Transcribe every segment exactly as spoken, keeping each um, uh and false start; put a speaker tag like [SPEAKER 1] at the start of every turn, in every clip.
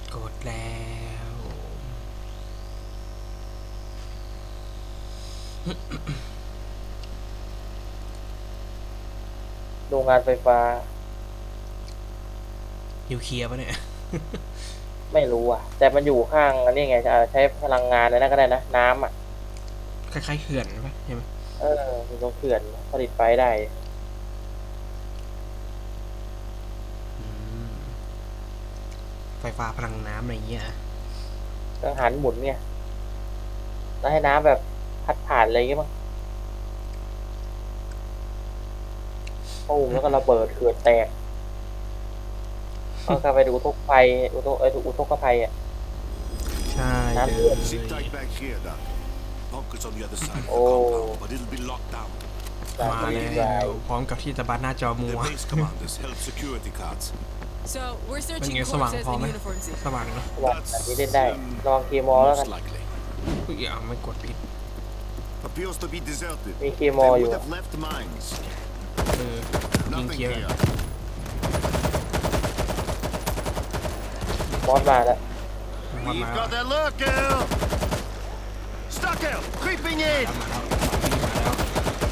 [SPEAKER 1] กดแล้ว
[SPEAKER 2] โรงงานไฟฟ้า
[SPEAKER 1] นิวเคลียร์ปะเนี่ย
[SPEAKER 2] ไม่รู้อ่ะแต่มันอยู่ข้างอันนี้ไงจะใช้พลังงานอะไรนั่นก็ได้นะน้ำอ่ะ
[SPEAKER 1] คล้ายๆเขื่อนปะใช่ไหม
[SPEAKER 2] เออมีตรงเขื่อนผลิตไฟได้
[SPEAKER 1] ไฟฟ้าพลังน้ำอะไรเงี้ย
[SPEAKER 2] กังหันหมุนไงแล้วให้น้ำแบบพัดผ่านอะไรอย่างเงี้ยมั้งปุ้มแล้วก็ระเบิดเขื่อนแตกก็ไปดูอุทกภัยอุทกไอ้อุทกภัยอ่ะ
[SPEAKER 1] ใช่เลย
[SPEAKER 2] โอ้
[SPEAKER 1] มาแล้วพร้อมกับที่จะบัดหน้าจอมัว
[SPEAKER 3] So we're
[SPEAKER 1] เป็น
[SPEAKER 3] searching
[SPEAKER 1] ไงสว่าง
[SPEAKER 3] corpses
[SPEAKER 1] พอ
[SPEAKER 3] in
[SPEAKER 1] ไหม
[SPEAKER 3] uniforms here.
[SPEAKER 1] สว่างเนาะ
[SPEAKER 2] บอกแบบนี้เล่นได้ลองเคมอลแล้วกัน
[SPEAKER 1] อุ้ยอย่าไม่กดผิด
[SPEAKER 2] มีเคมอลอยู่
[SPEAKER 1] เออยิงเคลียร์
[SPEAKER 2] มอสมาแล้ว
[SPEAKER 1] มามา
[SPEAKER 4] We've got their lurker! Stuck out! Creeping in!
[SPEAKER 1] มาแล้วมาแล้ว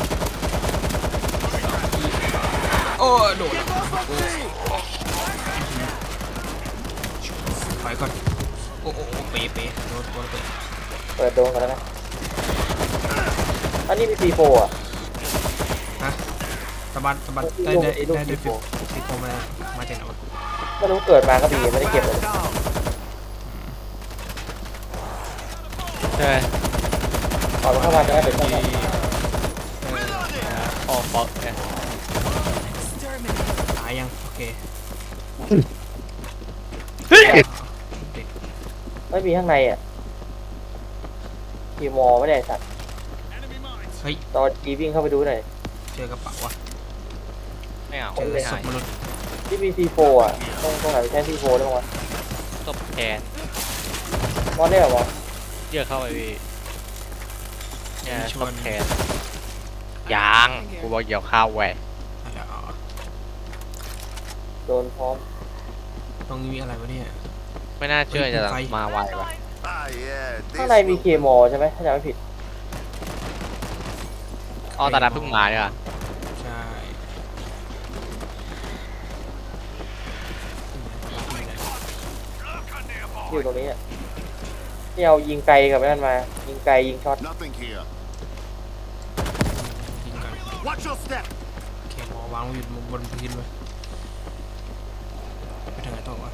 [SPEAKER 1] โอ้โดดถอยก่อนโอ้โอ้เป๊ะเป๊ะโดนโดนเป๊ะ
[SPEAKER 2] เปิดโดนกันแล้วนะอันนี้มีซีโฟอ่ะ
[SPEAKER 1] ฮะสะบัดสะบัดได้ได้ได้ได้ฟิวฟิวมามาจากไหนวะ
[SPEAKER 2] ไม่รู้เกิดมาก็บีไม่ได้เก็บเลย
[SPEAKER 5] ใช่ไหม
[SPEAKER 2] ขอเข้ามาจะได้เป็น
[SPEAKER 1] ที่
[SPEAKER 2] ต้น
[SPEAKER 5] ออกฟอกเนี่ย
[SPEAKER 3] Exterminate.
[SPEAKER 1] ตายยังโอเค
[SPEAKER 2] ไม่มีข้างในอ่ะคีมอไม่ได้สัตว์
[SPEAKER 1] เฮ้ย
[SPEAKER 2] ตอนจีวิ่งเข้าไปดูหน่อย
[SPEAKER 1] เจอกระเป๋าวะ
[SPEAKER 5] ไม่เอา
[SPEAKER 1] เจอ
[SPEAKER 5] ไม่
[SPEAKER 1] ศ
[SPEAKER 5] หา
[SPEAKER 1] พ
[SPEAKER 5] ย
[SPEAKER 1] มนุษย์
[SPEAKER 2] ที่มีซีโฟอ่ะตรงตรงไหนใช้ซีโฟได้บ้างวะ
[SPEAKER 5] ตบแขน
[SPEAKER 2] มอสได้เหรอวะ
[SPEAKER 5] เยอะเข้าไปพี่เนี่ย
[SPEAKER 1] ช
[SPEAKER 5] ต
[SPEAKER 1] วน
[SPEAKER 5] บแขนยางกูบอกเกี่ยวข้าวแหวก
[SPEAKER 1] อะไรอ๋อ
[SPEAKER 2] โดนพร้อม
[SPEAKER 1] ตรงนี้มีอะไรวะเนี่ย
[SPEAKER 5] ไม่น่าเชื่อจะมาไวว่ะ
[SPEAKER 4] Ah, yeah.
[SPEAKER 2] ข้างในมีเคมอใช่ไหมถ้าจำไม่ผิด
[SPEAKER 5] อ๋อตาดำเพิ่งมาเนี่ยว่ะ
[SPEAKER 1] ใช่
[SPEAKER 2] อยู่ตรงนี้อ่ะที่เอายิงไกลกับนั่นมา ยิงไกลยิงช็อต
[SPEAKER 4] Nothing here.
[SPEAKER 1] ยิงกัน
[SPEAKER 4] Watch your step!
[SPEAKER 1] เคมอวางอยู่บนพื้นเลยไปทางไหนต่อวะ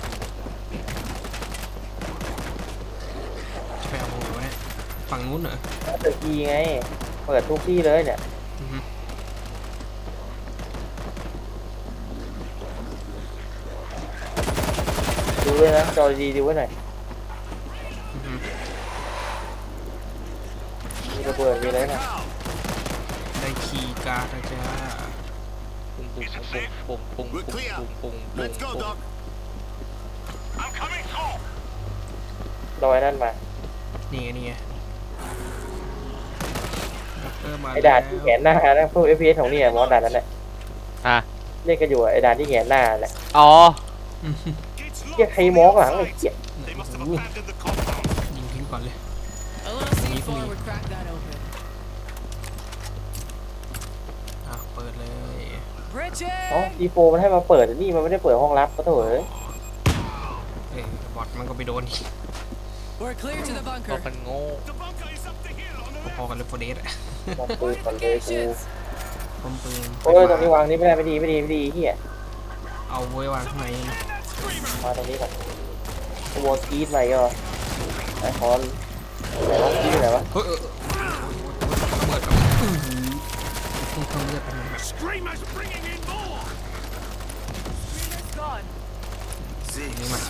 [SPEAKER 1] จะไปเอาตรงไหนวะเนี่ยฝั่งนู้นเหรอ
[SPEAKER 2] เปิดกีไง เปิดทุกที่เลยเนี่ย
[SPEAKER 1] อือฮึ
[SPEAKER 2] ดูด้วยนะจอดีดูไว้หน่อย
[SPEAKER 1] อือฮึ
[SPEAKER 2] มีระเบิดมีอะไรนะ
[SPEAKER 1] ได้คีย์การ์ดนะจ้า
[SPEAKER 5] ปุ้งปุ้งปุ้งปุ้งปุ้ง
[SPEAKER 4] We're
[SPEAKER 5] ปุ้ง
[SPEAKER 4] clear.
[SPEAKER 5] ปุ้งปุ้งปุ้ง
[SPEAKER 4] Let's go,
[SPEAKER 5] ปุ้ง
[SPEAKER 4] Doc. I'm coming through.
[SPEAKER 2] รอยนั่นมา
[SPEAKER 1] นี่ไงนี่ไงด็อกเตอร์มา
[SPEAKER 2] ไอ้ด่านที่แหงนหน้านะพวก เอฟ พี เอส ของนี่มอสด่านนั้นแหละ
[SPEAKER 5] อ่ะ
[SPEAKER 2] เรียกกันอยู่อะไอ้ด่านที่แหงนหน้าแหละ
[SPEAKER 5] อ๋อ
[SPEAKER 1] อืม
[SPEAKER 2] เรียกใครมองหลังไอ้เจี๊ย
[SPEAKER 4] They must have abandoned the compound.
[SPEAKER 1] ยิงทิ้งก่อนเลย
[SPEAKER 3] A little C four would crack that open.
[SPEAKER 1] อ่ะเปิดเลย
[SPEAKER 2] อ๋อ
[SPEAKER 3] Bridget!
[SPEAKER 2] ดีโฟมันให้มาเปิดแต่นี่มันไม่ได้เปิดห้องลับก็เถอะเอ้ย
[SPEAKER 1] เอ้ยบอทมันก็ไปโดน
[SPEAKER 3] We're clear to the
[SPEAKER 5] ก็
[SPEAKER 3] bunker.
[SPEAKER 5] มันโง่
[SPEAKER 4] The bunker is up the hill on the
[SPEAKER 1] พอๆกันเลยโฟเดสอะ
[SPEAKER 2] มองปืนก่อนเลยกู
[SPEAKER 3] Fortifications!
[SPEAKER 1] พร้อมปืน
[SPEAKER 2] โอ้ยตรงนี้วางนี่ไม่ได้ไม่ดีไม่ดีไม่ดีเฮีย
[SPEAKER 1] เอาไว้วางข้างใน
[SPEAKER 2] มาตรงนี้ก่อนขโมยกรีดใหม่ก็ไอ้คอนไหนวะกรีดไหนวะ
[SPEAKER 1] เฮ้ยเออระเบิดกับอื้อหือพุ่งเข้าเลือดไปมันแบบ
[SPEAKER 4] Screamers bringing in more!
[SPEAKER 3] Screamer's gone.
[SPEAKER 1] นี้มา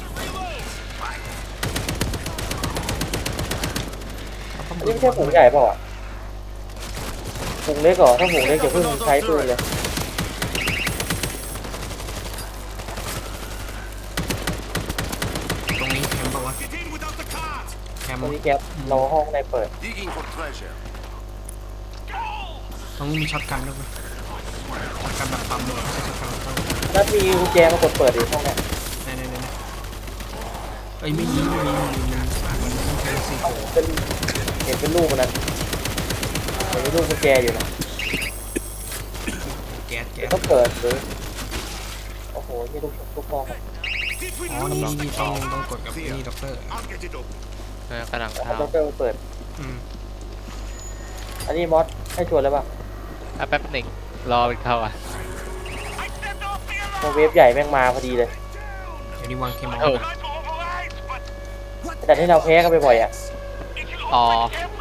[SPEAKER 2] อันนี้ไม่ใช่ผงใหญ่เปล่าอ่ะผงเล็กเหรอถ้าผงเล็กอย่าเพิ่งใช้ปืนเลย
[SPEAKER 1] ตรงนี้แคมป์ปะวะ
[SPEAKER 4] Get in without the cart!
[SPEAKER 1] แคมป์
[SPEAKER 2] ตรงนี้แก๊ปเราห้องในเปิด
[SPEAKER 4] Digging for treasure.
[SPEAKER 1] ตรงนี้มีช็อตกันด้วยมั้ยช็อตกันแบบปั๊มเลยไม่ใช่ช็อตกันแบบปั๊ม
[SPEAKER 2] แล้วมีกุญแจมากดเปิดดิห้องเนี้ย
[SPEAKER 1] นี่นี่นี่เอ้ยไม่ยิงไม่ยิงมันมันต้องใช้ซีโฟ
[SPEAKER 2] เป็นเห็นเป็นลูกมันนั้นเห็นเป็นลูกกุญแจอยู่นะ
[SPEAKER 1] แก๊สแก๊ส
[SPEAKER 2] ต้องเปิดหรือโอ้โหนี่ลูกลูกฟอง
[SPEAKER 1] อ๋อนี่นี่ต้องต้องกดกับนี่ด็อกเตอร์
[SPEAKER 4] I'll get it up.
[SPEAKER 5] เออกำลัง
[SPEAKER 2] เอา
[SPEAKER 5] เข้า
[SPEAKER 2] ด็อกเตอร์มาเปิด
[SPEAKER 1] อืม
[SPEAKER 2] อันนี้มอสให้ชวนแล้วป่ะ
[SPEAKER 5] อ่ะแป๊บหนึ่งรอมันเข้าอ่ะ
[SPEAKER 2] ตัวเวฟใหญ่แม่งมาพอดีเลย
[SPEAKER 1] เดี๋ยวนี้วางเคมอล
[SPEAKER 5] เออ
[SPEAKER 1] นะ
[SPEAKER 2] แต่ที่เราแพ้กันไปบ่อยอ่ะ
[SPEAKER 5] อ๋อ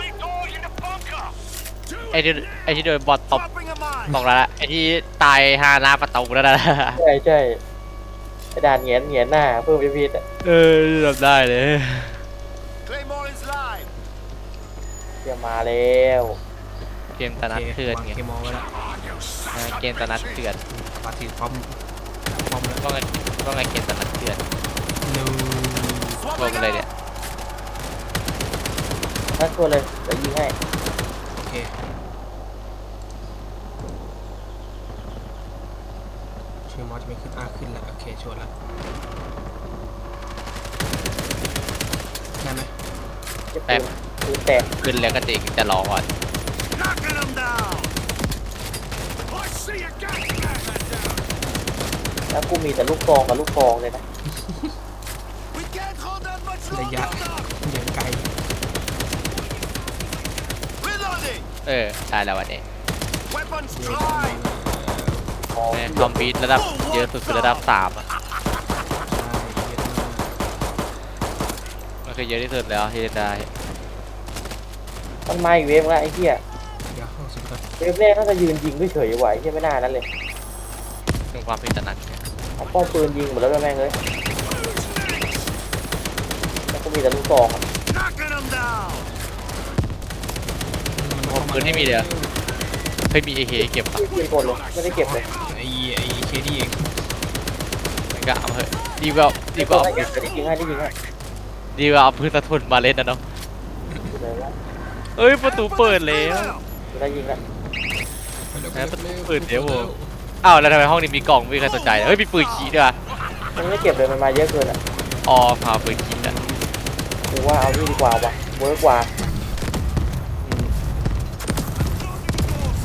[SPEAKER 5] ไอ้ที่ไอ้ที่โดนบอลตบ
[SPEAKER 4] Dropping a mine.
[SPEAKER 5] บอกแล้วละไอ้ที่ตายฮาหน้าประตูแล้วนะ
[SPEAKER 2] ใช่ใช่ไอ้ด่านเหงียนเหงียนหน้าเพิ่มพีพีอ่ะ
[SPEAKER 5] เออทำได้เลย
[SPEAKER 4] Claymore is live.
[SPEAKER 2] เดี๋ยวมาแล้ว
[SPEAKER 5] เกมตะนัดเถื่อน
[SPEAKER 1] วาง
[SPEAKER 5] ไง
[SPEAKER 1] เคมอลไว้แล้ว
[SPEAKER 5] เออเกมตะนัดเถื่อน
[SPEAKER 1] ปาถือพร้อมพร้อมแล้ว
[SPEAKER 5] ก็ไงก็ไงเกมตะนัดเถื่อน
[SPEAKER 1] นู
[SPEAKER 5] รวมเลยเนี่ย
[SPEAKER 2] ถ้าชวนเลยเดี๋ยวยิงให้
[SPEAKER 1] โอเคชื่อมอสจะไม่ขึ้นอ่ะขึ้นแล้วโอเคชวนแล้วได้ไหม
[SPEAKER 2] จะปืนปืนแตก
[SPEAKER 5] ขึ้นแล้วก็จริงจะรอก่อน
[SPEAKER 4] Knocking them down. I see a gas man.
[SPEAKER 2] แล้วกูมีแต่ลูกฟองกับลูกฟองเลยนะ
[SPEAKER 4] We can't hold that much
[SPEAKER 1] ระยะ
[SPEAKER 4] longer.
[SPEAKER 1] ยังไกล
[SPEAKER 4] Reloading.
[SPEAKER 5] เออได้แล้ววันนี้
[SPEAKER 4] Weapons dry.
[SPEAKER 2] ฟอง
[SPEAKER 5] แม่คอมบีทระดับเยอะสุดคือระดับสามอ่ะ
[SPEAKER 1] ใช่เยอะมาก
[SPEAKER 5] มันคือเยอะที่สุดแล้วที่จะได้
[SPEAKER 2] มันมาอีกเวฟแล้วไอ้เหี้ย
[SPEAKER 1] เดี๋ยวเข้าสุดก่อน
[SPEAKER 2] เวฟแรกน่าจะยืนยิงเฉยๆไหวเหี้ยไม่น่านั้นเลย
[SPEAKER 5] ถึงความผิดตระหนักเนี่ย
[SPEAKER 2] เอาป้อมปืนยิงหมดแล้วด้วยแม่งเลยแล้วก็มีแต่ลูกฟองอะ
[SPEAKER 4] Knocking them down.
[SPEAKER 5] ความปืนที่มีเดียวเฮ้ยมีเอเคเก็บอ่ะ
[SPEAKER 2] ที่ปืนกดเลยไม่ได้เก็บเลย
[SPEAKER 1] ไอ้ไอ้เคดีเอง
[SPEAKER 5] มันก็เอาเถอะดีกว่าดีกว่าเอา
[SPEAKER 2] ไม่
[SPEAKER 5] ปื
[SPEAKER 2] เก็
[SPEAKER 5] น
[SPEAKER 2] บแต่ได้ยิงให้ได้ยิงให้
[SPEAKER 5] ดีกว่าเอาปืนสะทุนมาเล่นนะเนาะ
[SPEAKER 2] เลยวะ
[SPEAKER 5] เอ้ยประตูเปิดแล้ว
[SPEAKER 2] ได้ยิงแล้ว
[SPEAKER 1] เปิดเร็ว
[SPEAKER 5] อ้าวแล้วทำไมห้องนี้มีกล่องไม่มีใครสนใจเลยเฮ้ยมีปืนขี้ด้วย
[SPEAKER 2] มันไม่เก็บเลยมันมาเยอะเกินอ่ะ
[SPEAKER 5] อ๋อพาปืนขี้อ่ะ
[SPEAKER 2] กูว่าเอานี่ดีกว่าวะเวิร์กกว่า
[SPEAKER 1] โอ้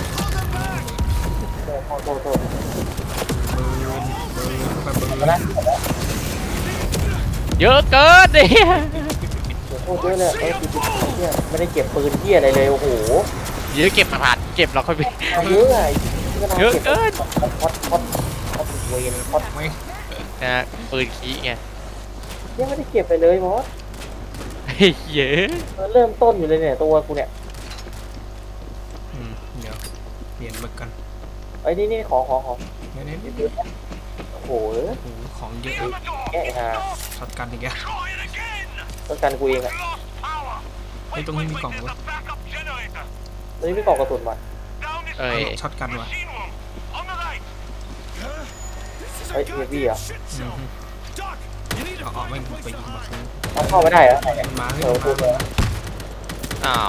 [SPEAKER 2] โทษโทษโทษ
[SPEAKER 1] เบิร์นเบิร์นเบิร์น
[SPEAKER 2] มาละ
[SPEAKER 5] เยอะเกินดิ
[SPEAKER 2] โทษเยอะเลยเออคือเนี่ยไม่ได้เก็บปืนเที่ยอะไรเลยโอ้โห
[SPEAKER 5] เยอะเก็บกระดาษเก็บแล้วค่อยไป
[SPEAKER 2] มาเยอะไอ้
[SPEAKER 5] เยอะเกิน
[SPEAKER 2] ฮอตฮอตฮอตเวนฮอต
[SPEAKER 1] ไม่
[SPEAKER 5] นะฮะปืนขี้ไง
[SPEAKER 2] ยังไม่ได้เก็บไปเลยมอส
[SPEAKER 5] เฮ้ยเยอะ
[SPEAKER 2] มันเริ่มต้นอยู่เลยเนี่ยตัวกูเนี่ย
[SPEAKER 1] อืมเดี๋ยวเปลี่ยนมึกกัน
[SPEAKER 2] ไอ้นี่นี่ขอขอขอ
[SPEAKER 1] เดี๋ยวนี้
[SPEAKER 2] เดี๋ยวโอ้โห
[SPEAKER 1] โอ้โหของเยอะ
[SPEAKER 2] แกะฮะ
[SPEAKER 1] ช็อตกันอีกแล้ว
[SPEAKER 2] ต้องการกูเองอ่ะ
[SPEAKER 1] ไอ้ตรงนี้มีกล่องวะ
[SPEAKER 2] ตอนนี้ไม่กล่องกระสุนมา
[SPEAKER 5] เอ้ย
[SPEAKER 1] ช็อตกันวะ
[SPEAKER 2] เฮ้ยเฮฟวี่อ่ะ
[SPEAKER 1] อืมเอาเอาไม่ไปยิงมาซื้อ
[SPEAKER 2] มันเข้าไม่ได้เหรอ
[SPEAKER 1] มันมาเฮ้ย
[SPEAKER 2] เออ
[SPEAKER 1] มัน
[SPEAKER 2] พูดเลย
[SPEAKER 1] มา
[SPEAKER 5] อ้าว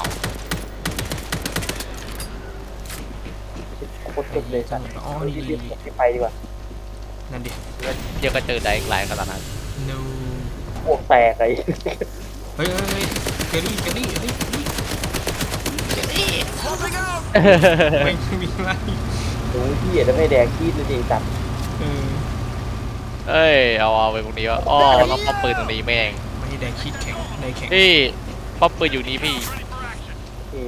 [SPEAKER 2] โคตรเจ็บเลยสัตว์
[SPEAKER 1] อ๋อ
[SPEAKER 2] รี
[SPEAKER 1] นี่
[SPEAKER 2] บรีบรีบไปดีกว่า
[SPEAKER 1] นั่นดิ
[SPEAKER 5] เยอะก็เจอได้อีกหลายขนาดนั้น
[SPEAKER 1] no
[SPEAKER 2] พวกแตกไอ้
[SPEAKER 1] เฮ้ยเฮ้ยเฮ้ยเกลลี่เกลลี่เกลลี่เกลลี่
[SPEAKER 4] Swapping out.
[SPEAKER 1] ไม่มีอะไร
[SPEAKER 2] ดูที่เห็นแล้วไม่แดงขี้เลยจริงจัด
[SPEAKER 1] เออ
[SPEAKER 5] เอ้ยเอาเอาไปตรงนี้วะอ๋อเราป้อมปืนตรงนี้แม่ง
[SPEAKER 1] ไม่ได้แดงคิดแข็งได้แข็ง
[SPEAKER 5] พี่ป้อมปืนอยู่นี่พี่
[SPEAKER 2] โอเค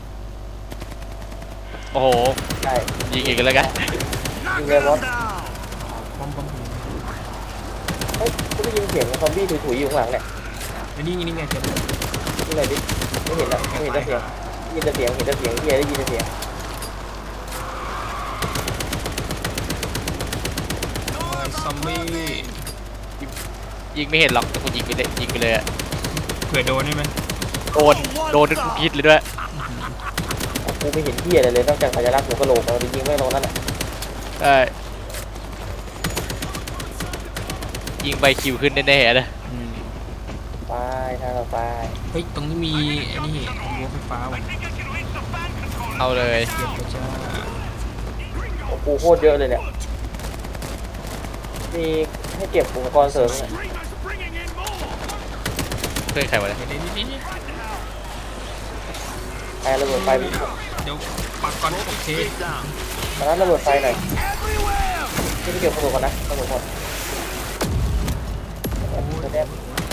[SPEAKER 5] โอ้โห
[SPEAKER 2] ได้
[SPEAKER 5] ยิงอีกแล้วกัน
[SPEAKER 2] ยิงเลยมอส
[SPEAKER 1] ป้อมป้อม
[SPEAKER 2] เฮ้ยกูได้ยินเสียงซอมบี้ถุยๆอยู่ข้างหลังเนี่ย
[SPEAKER 1] ไอ้นี่นี่ไงเจ็บ
[SPEAKER 2] นี่ไงดิไม่เห็นแล้วไม่เห็นแต่เสียงได้ยินแต่เสียงเห็นแต่เสียงเฮียได้ยินแต่เสียง
[SPEAKER 1] ซอมบี้
[SPEAKER 5] ยิงไม่เห็นหรอกแต่กูยิงไปเลยยิงไปเลยอะ
[SPEAKER 1] เผื่อโดนได้ไหม
[SPEAKER 5] โดนโดนทุกพิษเลยด้วย
[SPEAKER 2] กูไม่เห็นเฮียอะไรเลยนอกจากสัญลักษณ์หัวกะโหลกเราไปยิงไม่ลงนั่นแหละ
[SPEAKER 5] ใช่ยิงไปคิวขึ้นแน่ๆนะ
[SPEAKER 1] อืม
[SPEAKER 2] ไปทางเราไป
[SPEAKER 1] เฮ้ยตรงนี้มีไอ้นี่รั้วไฟฟ้าว่ะ
[SPEAKER 5] เอาเลย
[SPEAKER 1] เดี๋ยวก็จะ
[SPEAKER 2] โอ้โหโคตรเยอะเลยเนี่ยมีให้เก็บอุปกรณ์เสริมเนี่ย
[SPEAKER 4] Screamers bringing in more.
[SPEAKER 5] พื่อนใครวะเนี่ย
[SPEAKER 1] เดี๋ยวเดี๋ยวเดี๋ยวเดี๋ยว
[SPEAKER 2] ไอ้ระเบิดไฟ
[SPEAKER 1] เดี๋ยวปักก่อนโอเค
[SPEAKER 4] Keep down.
[SPEAKER 2] ตอนนั้นระเบิดไฟหน่อย
[SPEAKER 4] Everywhere.
[SPEAKER 2] ที่ไปเก็บกระสุนก่อนนะกระสุนหมดจะได้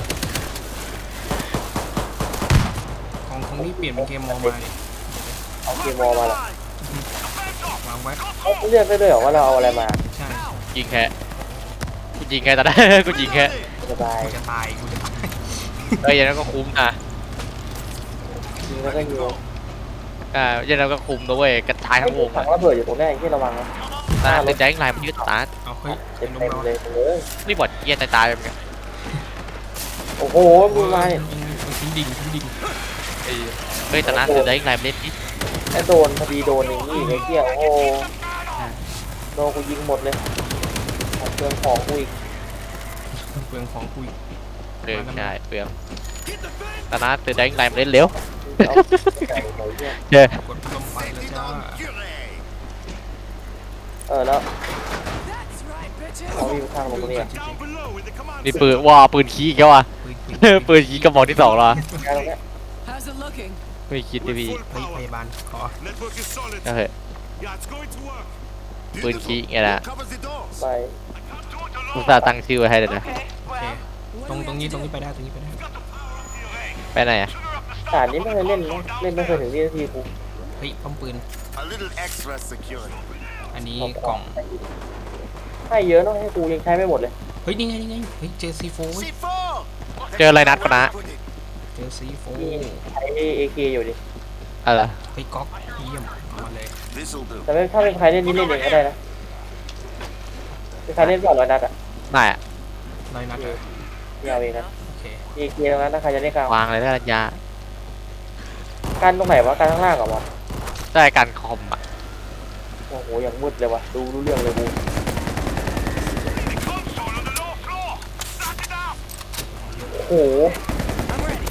[SPEAKER 1] ของของนี่เปลี่ยนเป็นเกมมองมาดิ
[SPEAKER 2] เอาเกมมอมาละ
[SPEAKER 1] วางไว้
[SPEAKER 2] เขาเลือกได้ด้วยเหรอว่าเราเอาอะไรมา
[SPEAKER 1] ใช่
[SPEAKER 5] ยิงแค่กูยิงแค่ตอนนั้น กูยิงแค่
[SPEAKER 2] สบาย
[SPEAKER 1] กูจะตายกูจะตาย
[SPEAKER 5] เอ้ยอยังนั้นก็คุ้มนะ
[SPEAKER 2] ยิงแล้วก็ยิง
[SPEAKER 5] อ่าอยังนั้นก็คุ้มนะเว้ยกระจายทั้งวง
[SPEAKER 2] ถั
[SPEAKER 5] อะ
[SPEAKER 2] งระเบิดอยู่ตรงนี้ที่ระวังนะ
[SPEAKER 5] ตาเป็นใจข้างในมันยืดตา
[SPEAKER 1] เอาเฮ้ย
[SPEAKER 2] เต็
[SPEAKER 1] เป็น
[SPEAKER 2] ม
[SPEAKER 1] ลม
[SPEAKER 2] เต็ม
[SPEAKER 1] เรา
[SPEAKER 2] เลยเลย
[SPEAKER 5] นี่บอดเยียตายตายไปเหมือนกัน
[SPEAKER 2] โอ้โหมือมาเนี่ย
[SPEAKER 1] มันทิ้งดิ่งทิ้งดิ่ง
[SPEAKER 5] เอ้ยเฮ้ยแต่นะเป็นใจข้างในมันเล่นนิด
[SPEAKER 2] ไอ้โดนพอดีโดนอย่างนี้ไอ้เกี้ยโอ้โหโดนกูยิงหมดเลยของเครื่องของกูอีก
[SPEAKER 1] เปลืองของคุย
[SPEAKER 5] เปลืองใช่เปลืองแต่นะเป็นใจข้างในมันเล่นเร็ว
[SPEAKER 2] เอาไก่หน่อยเนี่ย
[SPEAKER 5] เจ้
[SPEAKER 1] กดลมไปแล้วจ้า
[SPEAKER 2] เออแล้ว
[SPEAKER 3] That's right, bitches.
[SPEAKER 2] เอาวิ่งข้างลงตรงนี้อ่ะ
[SPEAKER 4] Down below in the command
[SPEAKER 5] นี่ปืนว้าปืนขี้อีกแล้วอ่ะ
[SPEAKER 1] ปืนปืน
[SPEAKER 5] ปืนขี้กระบอกที่สองแล้วอะ
[SPEAKER 2] แค่ตรงเนี้ย
[SPEAKER 3] How's it looking?
[SPEAKER 5] ไม่คิดดิพี่
[SPEAKER 1] เฮ้ยพยาบาลขอ
[SPEAKER 4] Network is solid.
[SPEAKER 5] ก็เหอะ
[SPEAKER 4] Yeah, it's going to work.
[SPEAKER 5] ปืนขี้ไงล่ะ
[SPEAKER 4] Covers the doors.
[SPEAKER 2] ไป
[SPEAKER 5] อุตส่าห์ตั้งชื่อไว้ให้เลยนะ
[SPEAKER 1] โอเคตรงตรงนี้ตรงนี้ไปได้ตรงนี้ไปได้
[SPEAKER 5] ไปไหนอ่ะ
[SPEAKER 2] ด่านนี้ไม่เคยเล่นนะเล่นไม่เคยถึงวินาทีกู
[SPEAKER 1] เฮ้ยป้อมปืน
[SPEAKER 4] A little extra security.
[SPEAKER 1] อันนี้กล่อง
[SPEAKER 2] ให้เยอะเนาะให้กูยังใช้ไม่หมดเลย
[SPEAKER 1] เฮ้ยนี่ไงนี่ไงเฮ้ยเจอซีโฟ
[SPEAKER 4] C four.
[SPEAKER 5] เจออะไรนัดปะนะ
[SPEAKER 1] เจอซีโฟ
[SPEAKER 2] นี่ใช้เอเคอยู่ดิ
[SPEAKER 5] อะไร
[SPEAKER 1] เฮ้ยก๊อกเยี่ยมเอามาเลย
[SPEAKER 4] This'll do.
[SPEAKER 2] แต่ไม่ถ้าเป็นใครเล่นนี่เล่นเองก็ได้นะเป็นใครเล่นก่อนร้อยนัดอ่ะ
[SPEAKER 5] ไม่อะ
[SPEAKER 1] ร้อยนัดอะ
[SPEAKER 2] ไม่เอาเองนะ
[SPEAKER 1] โอเค
[SPEAKER 2] เอเคตรงนั้นถ้าใครจะเล่นกลาง
[SPEAKER 5] วางเลยนะรัญญา
[SPEAKER 2] กันตรงไหนวะกันข้างล่างก่อนวะ
[SPEAKER 5] ได้การคอมอ่ะ
[SPEAKER 2] โอ้โหอย่างมืดเลยวะดูรู้เรื่องเลยกู โอ้โห
[SPEAKER 3] I'm ready.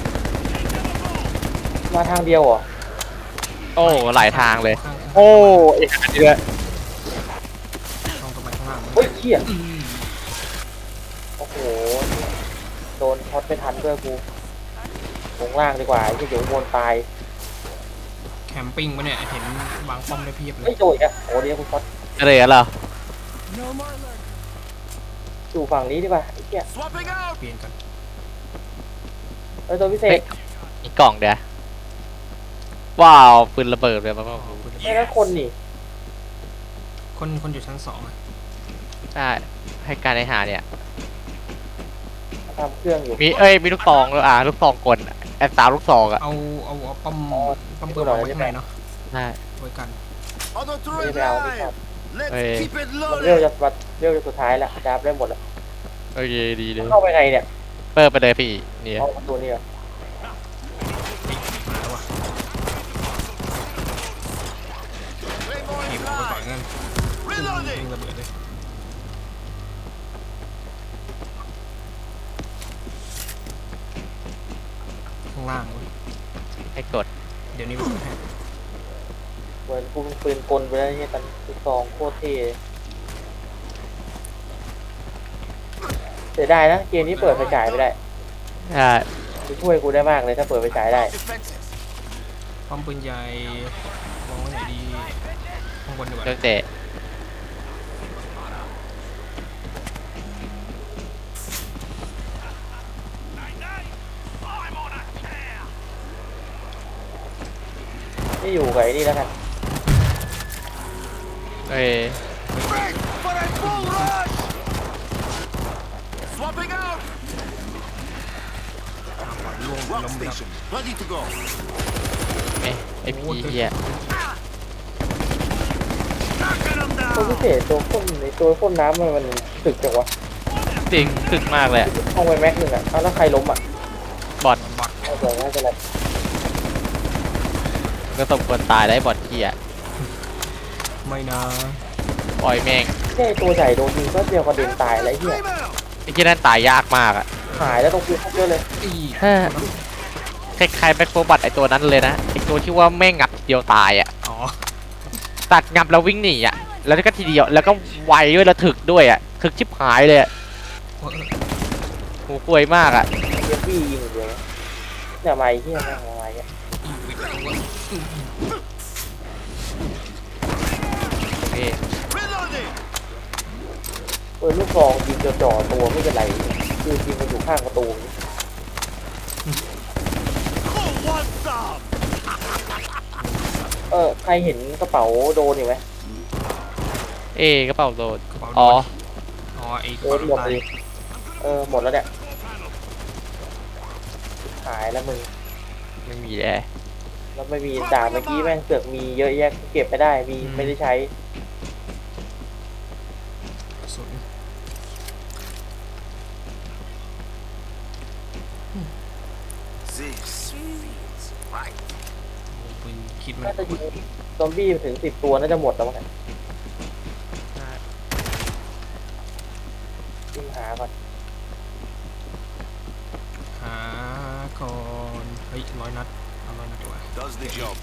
[SPEAKER 2] มาทางเดียวเหรอ
[SPEAKER 5] โอ้หลายทางเลย
[SPEAKER 1] ข้าง
[SPEAKER 5] โอ้อีกอันนี้ด้วย
[SPEAKER 1] ๆต้องตรงไปข้างล่าง
[SPEAKER 2] เฮ้ยเขี้ย
[SPEAKER 1] อืม
[SPEAKER 2] โอ้โหโดนช็อตไม่ทันด้วยกูลงล่างดีกว่าไอ้ที่เดี๋ยววนตาย
[SPEAKER 1] แคมปิ้งปะเนี่ยเห็นวางป้อมได้เพียบเล
[SPEAKER 2] ไม่
[SPEAKER 1] ย
[SPEAKER 2] โดนอีกอ่ะโอ้เดี๋ยวกูช็อต
[SPEAKER 5] อะไรกันเหรอ
[SPEAKER 3] No more lurk.
[SPEAKER 2] อยู่ฝั่งนี้ดีกว่าไอ้เขี้ย
[SPEAKER 4] Swapping out.
[SPEAKER 1] เปลี่ยนกัน
[SPEAKER 2] เออตัวพิเศ
[SPEAKER 5] เฮ้
[SPEAKER 2] ษ
[SPEAKER 5] ยอีกกล่องเดียวว้าวปืนระเบิดเลยมั้ง
[SPEAKER 1] อ๋อคุณจะ
[SPEAKER 2] ไม่นั้นคนนี่
[SPEAKER 1] คนคนอยู่ชั้นสองอะ
[SPEAKER 5] ใช่ให้การในหาเนี่ย
[SPEAKER 2] ทำเครื่องอยู่
[SPEAKER 5] มีเอ้ยมีลูกซองด้วยอ่ะลูกซองกลแอบสาวลูกซองอ่ะ
[SPEAKER 1] เอาเอาเอาป้อมป้อมปืนวางไว้ข้างในเนาะ
[SPEAKER 5] ใช่
[SPEAKER 1] ไว้กัน
[SPEAKER 4] On the
[SPEAKER 2] ไม่
[SPEAKER 4] turret
[SPEAKER 2] ได้ไปเอาไม่ทัน
[SPEAKER 4] line. Let's
[SPEAKER 5] Hey.
[SPEAKER 4] keep it
[SPEAKER 2] มันเร็ว
[SPEAKER 4] loaded.
[SPEAKER 2] จะวัดเร็วจะสุดท้ายแล้วจับได้หมดแล้ว
[SPEAKER 5] โอเคดีเลย
[SPEAKER 2] เข้าไปไงเนี่ย
[SPEAKER 5] เปิดไปเลยพี่นี่
[SPEAKER 2] เอาประตูนี่เหรอ
[SPEAKER 1] เฮ้ยมาแล้ววะ
[SPEAKER 4] Claymore
[SPEAKER 1] หยิ
[SPEAKER 4] is
[SPEAKER 1] บออกไปก่อน
[SPEAKER 4] live.
[SPEAKER 1] งั้น
[SPEAKER 4] Reloading.
[SPEAKER 1] ยิงระเบิดเลยข้างล่างเว้ย
[SPEAKER 5] ให้กด
[SPEAKER 1] เดี๋ยวนี้มันแฮก
[SPEAKER 2] เหมือนกูเป็นปืนกลไปแล้วเนี่ยตอนลูกซองโคตรเท่เสียดายนะเกมนี้เปิดไฟฉายไม่ได้
[SPEAKER 5] ใช่
[SPEAKER 2] จะช่วยกูได้มากเลยถ้าเปิดไฟฉายได้
[SPEAKER 4] Defenses.
[SPEAKER 1] ป้อมปืนใหญ่วางไว้ไหนดีข้างบนดีกว่า
[SPEAKER 5] เครื่องเตะ
[SPEAKER 2] ไม่อยู่กับไอ้นี่แล้วกัน
[SPEAKER 5] เอ้ย
[SPEAKER 4] Break for a full rush. Swapping out.
[SPEAKER 1] อ่าก่อนล่วง
[SPEAKER 4] Rock
[SPEAKER 1] ล้มแล้ว
[SPEAKER 4] station. Ready to go.
[SPEAKER 5] เอ้ยไอพีเฮีย
[SPEAKER 4] Knocking them
[SPEAKER 2] ตัวพิ
[SPEAKER 4] down.
[SPEAKER 2] เศษตัวพ่นในตัวพ่นน้ำมันมันสึกจังวะ
[SPEAKER 5] จริงถึกมากเลยอะ
[SPEAKER 2] ห้องไปแม็กหนึ่งอ่ะเอาแล้วใครล้มอ่ะ
[SPEAKER 5] บอด
[SPEAKER 1] บอท
[SPEAKER 2] เอาเดี๋ยวน่าจะอะไร
[SPEAKER 5] ก็สมควรตายได้บอดเฮีย
[SPEAKER 1] ไม่นะ
[SPEAKER 5] ปล่อยแม่ง
[SPEAKER 2] แค่ตัวใหญ่โดนยิงก็เดียวกระเด็นตายอะไรเหี้ย
[SPEAKER 4] Flame out.
[SPEAKER 5] ไอ้ที่นั่นตายยากมากอ่ะ
[SPEAKER 2] หายแล้วตรงคือเยอะเลย
[SPEAKER 1] อี
[SPEAKER 5] เฮ้ย คล้ายๆแบ็คโฟบัตไอตัวนั้นเลยนะไอตัวที่ว่าแม่งงับเดียวตายอ่ะ
[SPEAKER 1] อ๋อ
[SPEAKER 5] ตัดงับแล้ววิ่งหนีอ่ะแล้วก็ทีเดียวแล้วก็ไวด้วยแล้วถึกด้วยอ่ะถึกชิบหายเลยอะ
[SPEAKER 1] เออ
[SPEAKER 5] หูป่วยมากอ่ะ
[SPEAKER 2] เอฟบียิงเลยเนี่ยไม้ที่แม่งไม้เนี่ย
[SPEAKER 5] นี่
[SPEAKER 4] Reloading!
[SPEAKER 2] เปิดลูกซองยิงจ่อๆตัวไม่เป็นไรคือยิงมันอยู่ข้างประตู
[SPEAKER 4] Who wants some?
[SPEAKER 2] เออใครเห็นกระเป๋าโดนอยู่ไหม
[SPEAKER 5] เอ๊ะกระเป๋าโดน
[SPEAKER 1] กระเป๋า
[SPEAKER 5] อ๋อ
[SPEAKER 1] อ๋อไอ้ก
[SPEAKER 2] โด
[SPEAKER 1] ระเป๋าน
[SPEAKER 2] หมด
[SPEAKER 1] ตาย
[SPEAKER 2] เลยเออหมดแล้วเนี่ยหายแล้วมึง
[SPEAKER 5] ไม่มีแอร์
[SPEAKER 2] แล้วไม่มีด่าเมื่อกี้แม่งเสือกมีเยอะแยะเก็บไม่ได้มีไม่ได้ใช้
[SPEAKER 1] กระสุน
[SPEAKER 4] This feels right.
[SPEAKER 1] โอ้ปืนคิดมัน
[SPEAKER 2] น่าจะยิงซอมบี้ถึงสิบตัวน่าจะหมดแล้วมั้งเนี่ยยิงหาก่อน
[SPEAKER 1] หาก่อนเฮ้ยร้อยนัดเอาร้อยนัดดีกว่า
[SPEAKER 4] Does the job.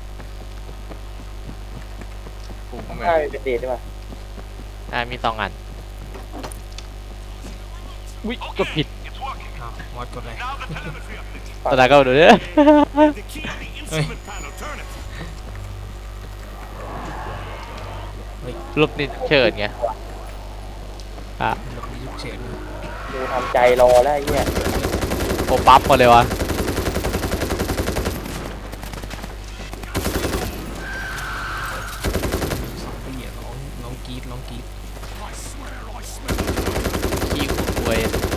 [SPEAKER 5] ปุ่ม
[SPEAKER 2] ถ้าเป็นเดทได้ป่ะ
[SPEAKER 5] อ่ามีสองอันอุ้ยกดผิด
[SPEAKER 1] อ้าวมอสกดอะไร
[SPEAKER 5] ตอนนั้นก็ดูเด้อ
[SPEAKER 4] The key on the instrument panel. Turn it.
[SPEAKER 5] รูปนี้เชิญไงอ่ะ
[SPEAKER 1] หลบหนีฉุกเฉิน
[SPEAKER 2] กูทำใจรอแล้วไอ้เหี้ย
[SPEAKER 5] โอปั๊บหมดเลยวะ
[SPEAKER 1] สองปีอะร้องร้องกรีดร้องกรีด
[SPEAKER 5] ขี้หูป่วย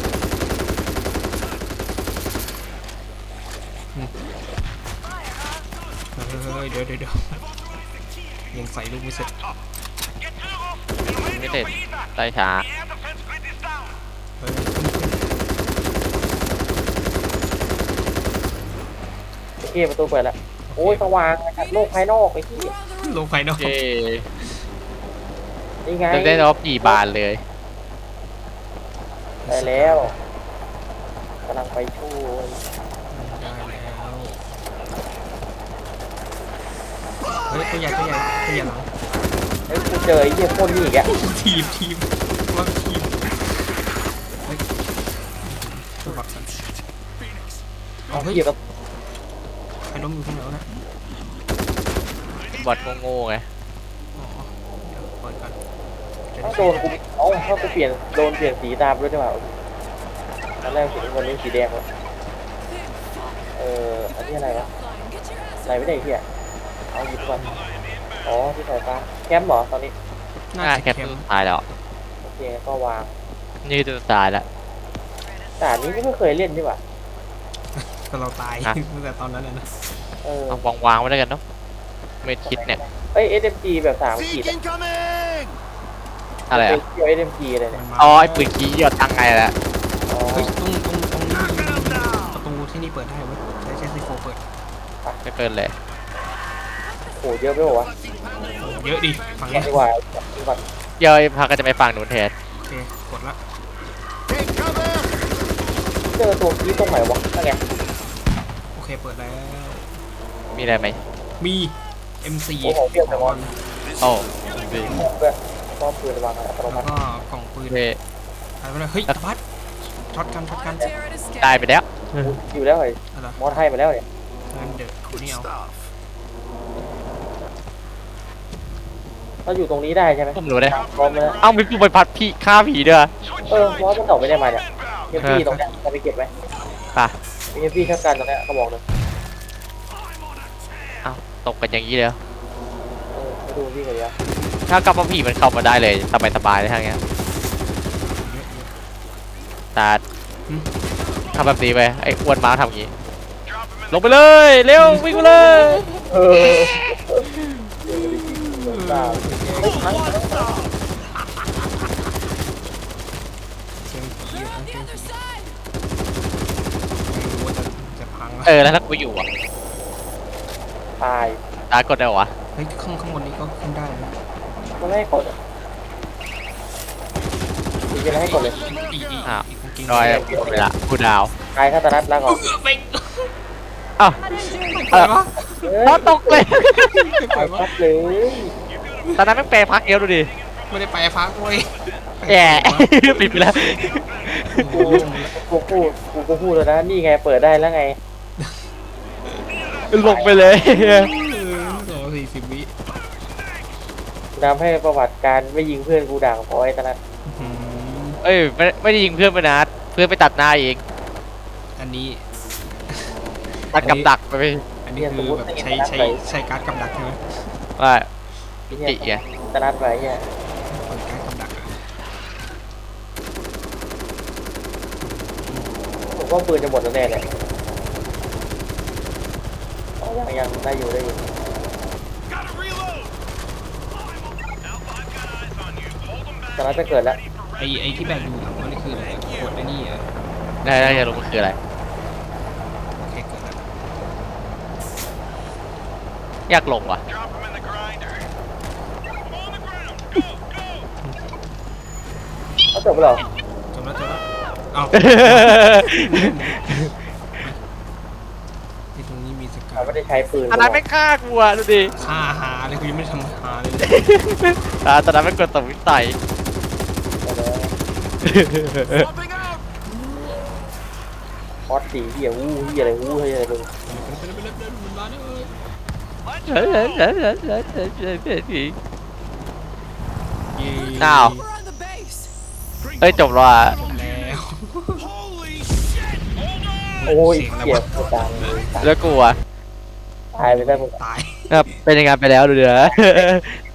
[SPEAKER 1] เฮ้ยเดี๋ยวเดี๋ยวเดี๋ยวยังใส่ลูกไม่เสร็จ
[SPEAKER 5] ไม่เสร็จไต่ช้า
[SPEAKER 1] เฮ้ย
[SPEAKER 2] โอเคประตูเปิดแล้วโอ้ยสว่างจากโลกภายนอกไอ้ที่
[SPEAKER 3] We're on the
[SPEAKER 1] ล
[SPEAKER 3] roof.
[SPEAKER 1] งภายนอก
[SPEAKER 5] เย้
[SPEAKER 2] นี่ไง
[SPEAKER 5] เริ่มได้รอบกี่บานเลย
[SPEAKER 2] ไปแล้วกำลังไปช่วย
[SPEAKER 1] ได้แล้วเฮ้ยตัวใหญ่ตัวใหญ่ตัวใหญ่หลัง
[SPEAKER 2] เฮ้ยกูเจอไอ้เหี้ยพ่นนี่อีกอะ
[SPEAKER 1] ทีมทีมว่าทีมเฮ้ยตัวบักสันเอาเฮ้ย
[SPEAKER 2] เกี่ยวกับ
[SPEAKER 1] ใครล้มอยู่ข้างหลังนะ
[SPEAKER 5] บอทโง่ๆไง
[SPEAKER 1] อ๋อเดี๋ยวเปิดกันจะ
[SPEAKER 2] ถ้า
[SPEAKER 1] ได้
[SPEAKER 2] โดนกูเอ้าถ้ากูเปลี่ยนโดนเปลี่ยนสีตามด้วยใช่ป่ะตอนแรกสีน้ำเงินนี่สีแดงวะเอออันนี้อะไรวะ
[SPEAKER 3] Flying. Get your ass
[SPEAKER 2] อะไรไม่ได้เหี้ยเอาหยิบก่อนอ๋อที่สายฟ้าแคมป์เหรอตอนนี้
[SPEAKER 1] น่า
[SPEAKER 5] อ่า
[SPEAKER 1] จะ
[SPEAKER 5] แคป
[SPEAKER 1] เข้ม
[SPEAKER 5] สุดท้ายแล้ว
[SPEAKER 2] โอเคก็วาง
[SPEAKER 5] นี่คือสุดท้ายแล้ว
[SPEAKER 2] แต่อันนี้ไม่เคยเล่นใช่ป่ะ
[SPEAKER 1] ก็เราตาย
[SPEAKER 5] ฮะ
[SPEAKER 1] ตั้งแต่ตอนนั้นเลยนะ
[SPEAKER 2] เออ
[SPEAKER 5] เอาวางๆไว้แล้วกันเนาะเมดคิดเนี่ย
[SPEAKER 2] เอ้ย เอส เอ็ม จี แบบสามขีด
[SPEAKER 4] Seek incoming!
[SPEAKER 5] อะไรอ่ะ
[SPEAKER 2] เกี่ยว เอส เอ็ม จี เลยเนี่ย
[SPEAKER 1] มันมา
[SPEAKER 5] อ๋อไอ้ปืนขี้ยอดตังไงแหละ
[SPEAKER 2] อ๋อ
[SPEAKER 1] เฮ้ยตรงตรงตรงนี้มีประตูที่นี่เปิดได้เว้ยใช้ใช้ซีโฟเปิด
[SPEAKER 5] ไม่เกินเลย
[SPEAKER 2] โหเยอะไปหมดวะ
[SPEAKER 1] เยอะดิฝั่ง
[SPEAKER 2] ก่อ
[SPEAKER 1] นี้
[SPEAKER 2] นดีกว่าก่อน
[SPEAKER 5] เดี๋ยวไอ้พักก็จะไปฟังหนูนแทน
[SPEAKER 1] โอเคกดละ
[SPEAKER 4] Take cover!
[SPEAKER 2] เจอตัวคีย์ตรงไหนวะนั่นไง
[SPEAKER 1] โอเคเปิดแล้ว
[SPEAKER 5] มีอะไรไหม
[SPEAKER 1] มี เอ็ม โฟร์
[SPEAKER 2] โอ้โหเปรี้ยวจังวะ
[SPEAKER 5] โอ้ดี
[SPEAKER 2] เพื่อมอบปืนวางอัตโน
[SPEAKER 1] แล้
[SPEAKER 2] มั
[SPEAKER 1] ว
[SPEAKER 2] ติ
[SPEAKER 1] ก็กล่องปืน
[SPEAKER 5] โอเค
[SPEAKER 1] อะไรไปเลยเฮ้ยตะพัดช็อตกันช็อตกัน
[SPEAKER 3] One tear at a skate.
[SPEAKER 5] ได้ไปแล้ว
[SPEAKER 2] อยู่แล้วเลย
[SPEAKER 1] อะไร
[SPEAKER 2] มอสให้มาแล้วเนี่ย
[SPEAKER 1] งั้นเดี๋ยวคุณนี่เอา
[SPEAKER 4] Stuff.
[SPEAKER 2] เราอยู่ตรงนี้ได้ใช่ไหม
[SPEAKER 5] ผมรู้ได้
[SPEAKER 2] พร้อมแล้ว
[SPEAKER 5] เอ้ามีผู้ไปพัดพี่ฆ่าผีด้วย
[SPEAKER 2] เออมอสมันตอบไม่ได้มาเนี่ยเอฟพีตรงเนี้ยจะไปเก็บไหม
[SPEAKER 5] ป่ะ
[SPEAKER 2] เอฟพีชักกันตรงเนี้ยเขาบอกเลย
[SPEAKER 5] เอ้าตกกันอย่างนี้เลยเหรอ
[SPEAKER 2] เออไปดูพี่กันดีกว่า
[SPEAKER 5] ถ้ากลับมาผีมันเข้ามาได้เลยสบายสบายๆเลยทางเงี้ย
[SPEAKER 1] เยอะเยอะ
[SPEAKER 5] แต่
[SPEAKER 1] หึ
[SPEAKER 5] ทำแบบนี้ไปไอ้อ้วนม้าทำอย่างนี้ ลงไปเลย เร็ววิ่งไปเลย
[SPEAKER 2] เออตาเฮ้ยทั้ง
[SPEAKER 1] เสียงผี
[SPEAKER 3] They're
[SPEAKER 1] อะ
[SPEAKER 3] on
[SPEAKER 1] เสี
[SPEAKER 3] the
[SPEAKER 1] ยง
[SPEAKER 3] other
[SPEAKER 1] ผี
[SPEAKER 3] side.
[SPEAKER 1] ไม่รู้ว่าจะจะพังแล้ว
[SPEAKER 5] เออแล้วถ้ากูอยู่อ่ะ
[SPEAKER 2] ตาย
[SPEAKER 5] ตากดได้เหรอวะ
[SPEAKER 1] เฮ้ยข้างข้างบนนี้ก็ขึ้นได้นะ
[SPEAKER 2] มันไม่ให้กดอ่ะจริงๆแล้วให้กดเลย
[SPEAKER 1] อีกอีกอีก
[SPEAKER 5] อ้าว
[SPEAKER 1] อีกจริง
[SPEAKER 5] รอยหมดเวลากูดาว
[SPEAKER 2] ตายคาตานัดแล้วก่อน
[SPEAKER 1] เบ่ง
[SPEAKER 5] อ้าว
[SPEAKER 1] เปิดวะ
[SPEAKER 2] เฮ้ย
[SPEAKER 5] พอตกเลย
[SPEAKER 1] ไม่เปิ
[SPEAKER 2] ตาย
[SPEAKER 1] ดวะ
[SPEAKER 2] ชัดเลย
[SPEAKER 5] ตอนนั้นแม่งแปลพักเอวดูดิ
[SPEAKER 1] ไม่ได้ไปพักเว้ย
[SPEAKER 5] แย่ ปิดไปแล้ว
[SPEAKER 2] กูกูพูดกูก็พูดแล้วนะนี่ไงเปิดได้แล้วไง
[SPEAKER 5] ลงไปเลย
[SPEAKER 1] เออสองสี่สิบวิ
[SPEAKER 2] ทำให้ประวัติการไม่ยิงเพื่อนกูด่างพอไอ้ตอนนั้น
[SPEAKER 1] อืม
[SPEAKER 5] เอ้ยไม่ไม่ได้ยิงเพื่อนไปนะเพื่อนไปตัดหน้าเอง
[SPEAKER 1] อันนี้
[SPEAKER 5] ตัดกับดักไป
[SPEAKER 1] อันนี้คือแบบใช้ใช้ใช้การ์ดกำดักใช่ไหม
[SPEAKER 5] ว่ายุกิไง
[SPEAKER 2] ตอนนั้นไปเนี่ย
[SPEAKER 1] เปิดการ์ดกำดักอะ
[SPEAKER 2] ผมว่าปืนจะหมดแล้วแน่เลยอ๋อยังยังได้อยู่ได้อยู่
[SPEAKER 4] Gotta reload. Alpha, I've got eyes on you. Hold them back.
[SPEAKER 2] ตอนนั้นจะเกิดแล้ว
[SPEAKER 1] ไอไอที่แบกดูถังว่านี่คืออะไรกดไอ้นี่เหรอ
[SPEAKER 5] ได้ได้จะรู้มันคืออะไร
[SPEAKER 1] โอเคเกิดแล้ว
[SPEAKER 5] อยากลงว่ะ
[SPEAKER 4] Drop them in the grinder. On the ground. Go, go.
[SPEAKER 2] เขาจบไปหรอ
[SPEAKER 1] จบแล้วจบแล้วเอ้าที่ตรงนี้มีสกั
[SPEAKER 2] เขา
[SPEAKER 1] ด
[SPEAKER 2] ไม่ได้ใช้ปืน
[SPEAKER 5] อันนั้นไม่ฆ่ากูอ่ะดูดิ
[SPEAKER 1] ฆ่าหาเลยกูยังไม่ได้ทำหาเลย
[SPEAKER 5] อ่าตอนนั้นไม่กดตบวิสัย
[SPEAKER 4] Swapping out.
[SPEAKER 2] พอดสีเหี้ยวู้เหี้ยอะไรวู้เหี้ยอะไรมึง
[SPEAKER 1] ไปเลยไปเลยไปเลยมันมาเนี่ยเอ้ย
[SPEAKER 4] Let's
[SPEAKER 5] เฮ้ย
[SPEAKER 4] go.
[SPEAKER 5] เฮ้ยเฮ้ยเฮ้ยเฮ้ยเฮ้ยเฮ้ยเฮ้ย
[SPEAKER 1] เย้
[SPEAKER 5] อ้าว
[SPEAKER 3] We're on the base.
[SPEAKER 5] เฮ้ยจบแล้วอ่ะ
[SPEAKER 1] จบแล้ว
[SPEAKER 4] Holy shit. Hold on.
[SPEAKER 2] โอ้ย
[SPEAKER 1] เสียงอะไร
[SPEAKER 2] เหี้ยว
[SPEAKER 1] ะ
[SPEAKER 2] กดดังเลย
[SPEAKER 5] แล้วกูอ่ะ
[SPEAKER 2] ตายไปได้มึง
[SPEAKER 1] ตาย
[SPEAKER 5] แบบเป็นยังไงไปแล้วดูเดี๋ยว